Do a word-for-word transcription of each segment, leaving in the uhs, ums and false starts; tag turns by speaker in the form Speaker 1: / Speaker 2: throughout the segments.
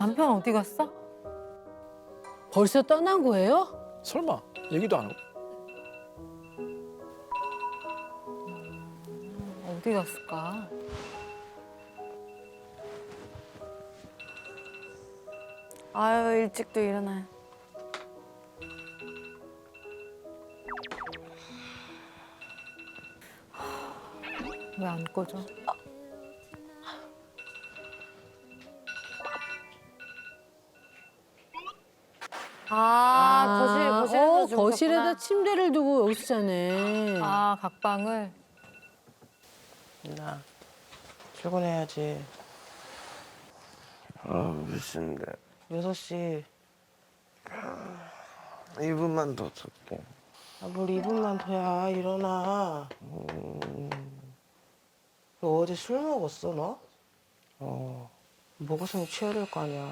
Speaker 1: 남편 어디 갔어?
Speaker 2: 벌써 떠난 거예요?
Speaker 3: 설마 얘기도 안 하고.
Speaker 1: 어디 갔을까?
Speaker 4: 아유 일찍도 일어나요.
Speaker 1: 왜 안 꺼져?
Speaker 4: 아, 거실 거실에서
Speaker 2: 어,
Speaker 4: 주무셨구나.
Speaker 2: 거실에다 침대를 두고 여기서 자네.
Speaker 1: 아, 각방을.
Speaker 5: 나 출근해야지.
Speaker 6: 아, 몇 시인데?
Speaker 5: 여섯 시.
Speaker 6: 이 분만 더 잘게.
Speaker 5: 아, 뭘 이 분만 더야. 일어나. 너 어제 술 먹었어, 너?
Speaker 6: 어,
Speaker 5: 먹었으면 취해야 될 거 아니야.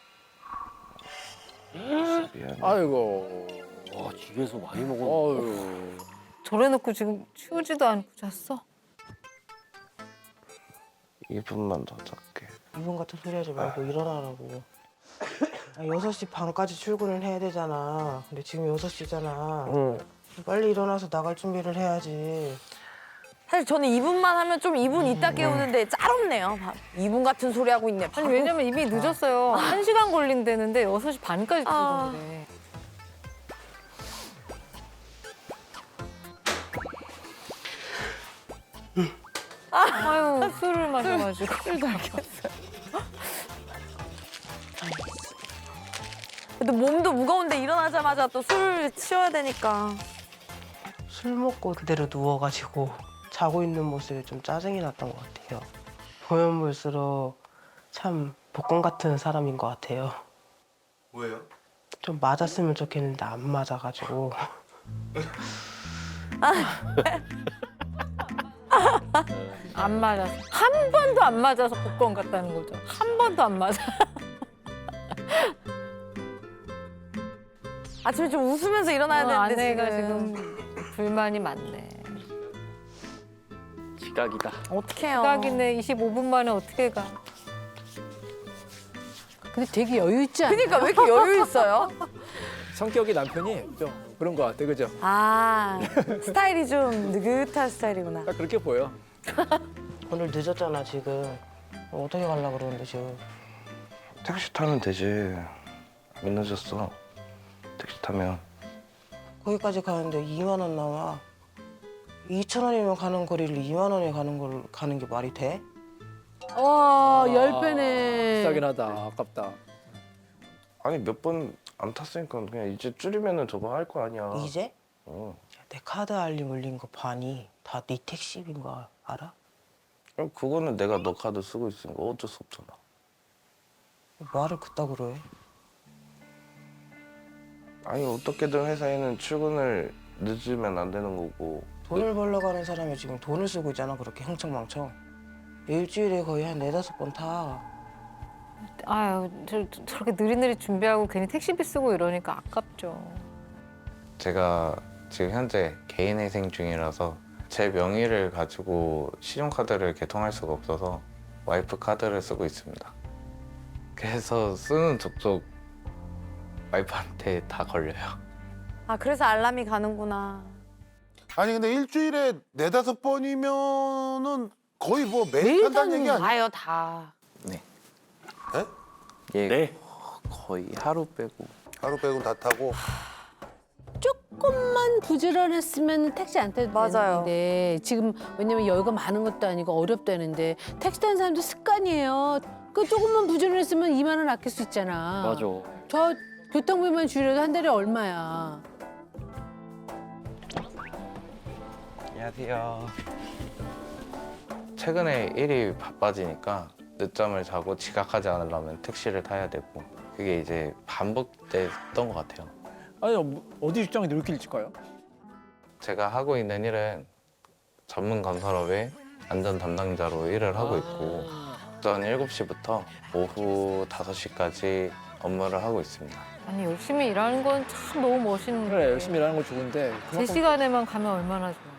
Speaker 6: 미안해.
Speaker 3: 아이고.
Speaker 7: 와, 집에서 많이 먹었네.
Speaker 3: 어휴.
Speaker 1: 저래놓고 지금 치우지도 않고 잤어?
Speaker 6: 이 분만 더 잘게.
Speaker 5: 이분 같은 소리 하지 말고 일어나라고. 아, 여섯 시 반까지 출근을 해야 되잖아. 근데 지금 여섯 시잖아.
Speaker 6: 응.
Speaker 5: 빨리 일어나서 나갈 준비를 해야지.
Speaker 4: 사실 저는 이 분만 하면 좀 이 분 있다 깨우는데 짤없네요. 이 분 같은 소리 하고 있네.
Speaker 1: 아니,
Speaker 4: 바로.
Speaker 1: 왜냐면 이미 늦었어요. 한 시간 걸린다는데 여섯 시 반까지
Speaker 4: 아.
Speaker 1: 출근이래. 아유, 술을 마셔가지고. 술도 안 켰어요.
Speaker 4: 근데 몸도 무거운데 일어나자마자 또 술 치워야 되니까.
Speaker 5: 술 먹고 그대로 누워가지고 자고 있는 모습이 좀 짜증이 났던 것 같아요. 보면 볼수록 참 복권 같은 사람인 것 같아요.
Speaker 6: 왜요?
Speaker 5: 좀 맞았으면 좋겠는데 안 맞아가지고.
Speaker 1: 안 맞아서. 한 번도 안 맞아서 복권 같다는 거죠. 한 번도 안 맞아.
Speaker 4: 아침에 좀 웃으면서 일어나야
Speaker 1: 어,
Speaker 4: 되는데
Speaker 1: 아내가
Speaker 4: 지금.
Speaker 1: 지금 불만이 많네.
Speaker 7: 지각이다.
Speaker 4: 어떡해요.
Speaker 1: 딱이네. 이십오 분 만에 어떻게 가?
Speaker 2: 근데 되게 여유 있지 않아?
Speaker 4: 그러니까 왜 이렇게 여유 있어요?
Speaker 3: 성격이 남편이 좀 그런 것 같아, 그죠?
Speaker 4: 아, 스타일이 좀 느긋한 스타일이구나.
Speaker 3: 딱 그렇게 보여.
Speaker 5: 오늘 늦었잖아 지금. 어떻게 가려고 그러는데 지금.
Speaker 6: 택시 타면 되지. 안 늦었어. 택시 타면.
Speaker 5: 거기까지 가는데 이만 원 나와. 이천 원이면 가는 거리를 이만 원에 가는 걸 가는 게 말이 돼?
Speaker 2: 와,
Speaker 3: 아,
Speaker 2: 열 배네.
Speaker 3: 비싸긴 하다. 아깝다.
Speaker 6: 아니, 몇 번 안 탔으니까 그냥 이제 줄이면은 저거 할 거 아니야.
Speaker 5: 이제?
Speaker 6: 어.
Speaker 5: 내 카드 알림 울린 거 반이 다 네 택시비인 거 알아?
Speaker 6: 그럼 그거는 내가 너 카드 쓰고 있으니까 어쩔 수 없잖아.
Speaker 5: 말을 그따구로 해.
Speaker 6: 아니, 어떻게든 회사에는 출근을 늦으면 안 되는 거고.
Speaker 5: 돈을 벌러 가는 사람이 지금 돈을 쓰고 있잖아 그렇게 흥청망청. 일주일에 거의 한 네다섯 번 타.
Speaker 1: 아유, 저, 저렇게 느릿느릿 준비하고 괜히 택시비 쓰고 이러니까 아깝죠.
Speaker 8: 제가 지금 현재 개인회생 중이라서 제 명의를 가지고 신용카드를 개통할 수가 없어서 와이프 카드를 쓰고 있습니다. 그래서 쓰는 족족 와이프한테 다 걸려요.
Speaker 4: 아, 그래서 알람이 가는구나.
Speaker 9: 아니 근데 일주일에 네다섯 번이면은 거의 뭐 매일
Speaker 2: 매일
Speaker 9: 탄다는 얘기 아니야?
Speaker 4: 다요, 다.
Speaker 8: 네.
Speaker 9: 네?
Speaker 8: 예,
Speaker 7: 네.
Speaker 8: 거의 하루 빼고.
Speaker 9: 하루 빼고는 다 타고.
Speaker 2: 조금만 부지런했으면 택시 안 타도
Speaker 4: 맞아요.
Speaker 2: 되는데 지금 왜냐면 여유가 많은 것도 아니고 어렵다는데 택시 타는 사람도 습관이에요. 그 조금만 부지런했으면 이만 원 아낄 수 있잖아.
Speaker 7: 맞아.
Speaker 2: 저 교통비만 줄여도 한 달에 얼마야.
Speaker 8: 안녕하세요. 최근에 일이 바빠지니까 늦잠을 자고 지각하지 않으려면 택시를 타야 되고 그게 이제 반복됐던 것 같아요.
Speaker 3: 아니, 뭐, 어디 직장에 이렇게 일찍 가요?
Speaker 8: 제가 하고 있는 일은 전문 건설업의 안전 담당자로 일을 하고 있고 오전 일곱 시부터 오후 다섯 시까지 업무를 하고 있습니다.
Speaker 1: 아니, 열심히 일하는 건 참 너무 멋있는
Speaker 3: 그래, 열심히 일하는 거 좋은데.
Speaker 1: 제
Speaker 3: 그만큼
Speaker 1: 시간에만 가면 얼마나 좋아.